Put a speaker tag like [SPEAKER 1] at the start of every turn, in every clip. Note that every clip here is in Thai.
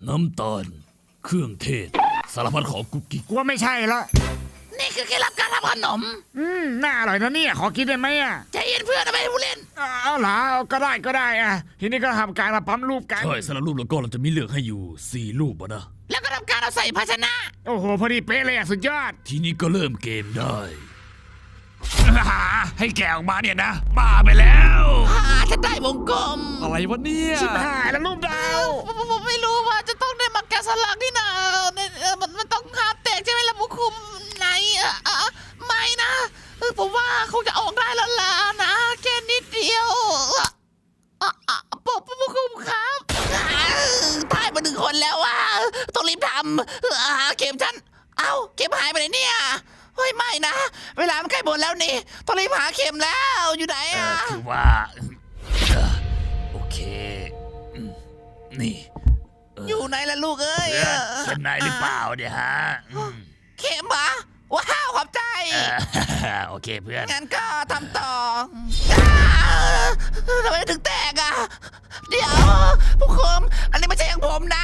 [SPEAKER 1] น้ำตาลเครื่องเทศสารพัดของกุ๊กกิ๊ก
[SPEAKER 2] กลัวไม่ใช่ละ
[SPEAKER 3] นี่คือเคล็ดลับการทำขนม
[SPEAKER 2] น่าอร่อยนะเนี่ยขอกินได้ไหมอ่ะ
[SPEAKER 3] ใจเย็นเพื่อนนะไม่ให้ผู้เล่น
[SPEAKER 2] เอาเหรอก็ได้อ่ะทีนี้ก็ทำการมาปั๊มรูปกัน
[SPEAKER 1] ใช่สารรูปแล้วก็เราจะมีเลือกให้อยู่4รูปอะนะ
[SPEAKER 3] แล้วก็ทำการเอาใส่ภาชนะ
[SPEAKER 2] โอ้โหพอดีเป๊ะเลยอ่ะสุดยอด
[SPEAKER 1] ทีนี้ก็เริ่มเกมได้ให้แกะออกมาเนี่ยนะบ้าไปแล้ว
[SPEAKER 3] ฉันได้วงกลม
[SPEAKER 1] อะไรวะเนี่ย
[SPEAKER 2] ชิบหายแล้วรูปดาว
[SPEAKER 3] ผมไม่รู้ว่าจะต้องได้มาแกะสลักที่ไหนมันต้องหาแตกใช่ไหมล่ะผู้คุมไหนไม่นะผมว่าคงจะออกได้แล้วล่ะนะแค่นิดเดียวผู้คุมครับตายมา1 คนแล้วว่ะต้องรีบทำเข็มฉันเอ้าเข็มหายไปไหนเนี่ยเฮ้ยไม่นะเวลามันใกล้หมดแล้วนี่ต้องรีบหาเข็มแล้วอยู่ไหนอ่ะ
[SPEAKER 1] คือว่าโอเคนี่
[SPEAKER 3] อยู่ไหนล่ะลูกเอ้ย
[SPEAKER 1] เข็มไหนหรือเปล่าเนี่ยฮะ
[SPEAKER 3] เข็มเหรอว้าวขอบใจ
[SPEAKER 1] โอเคเพื่อน
[SPEAKER 3] งั้นก็ทำต่อทำไมถึงแตกอ่ะ เดี๋ยวผู้คุมอันนี้ไม่ใช่ของผมนะ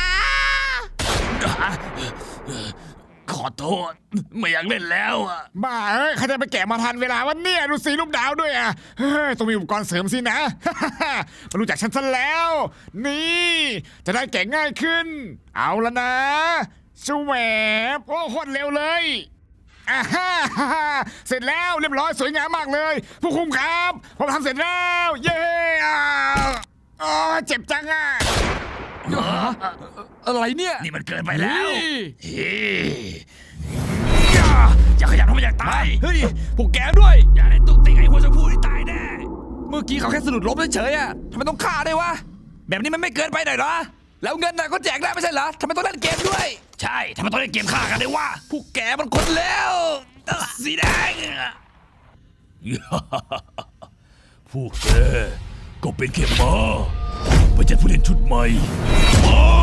[SPEAKER 1] ขอโทษไม่อยากเล่นแล้วอ่ะ
[SPEAKER 2] บ้าเอ้ยใครจะไปแกะมาทันเวลาวันเนี่ยดูสีรูปดาวด้วยอ่ะเฮ้ยต้องมีอุปกรณ์เสริมสินะ มารู้จักฉันซะแล้ว นี่จะได้แกะง่ายขึ้น เอาละนะสวบโอ้โคตรเร็วเลยอ่าฮ่าเสร็จแล้วเรียบร้อยสวยงามมากเลย ผู้คุมครับผมทำเสร็จแล้ว เย้อ๋อเจ็บจังอ่ะ
[SPEAKER 4] อะไรเนี่ย
[SPEAKER 1] นี่มันเกินไปแล้ว
[SPEAKER 4] นี่
[SPEAKER 1] เฮ้ยอย่าขยันทำไมอยากตาย
[SPEAKER 4] เฮ้ยพวกแกด้วย
[SPEAKER 1] อย่าได้ตุกติงไอ้หัวชมพูที่ตายแน่
[SPEAKER 4] เมื่อกี้เขาแค่สะดุดล้มเฉยๆอะทำไมต้องฆ่าด้วยวะ แบบนี้มันไม่เกินไปหน่อยเหรอ แล้วเงินน่ะก็แจกได้ไม่ใช่เหรอทำไมต้องเล่นเกมด้วย
[SPEAKER 1] ใช่ทำไมต้องเล่นเกมฆ่ากันด้วยวะ
[SPEAKER 4] พวกแกมันคนแล้ว
[SPEAKER 1] สีแดงพวกแกก็เป็นแค่ม้าไปจัดผู้เล่นชุดใหม่มา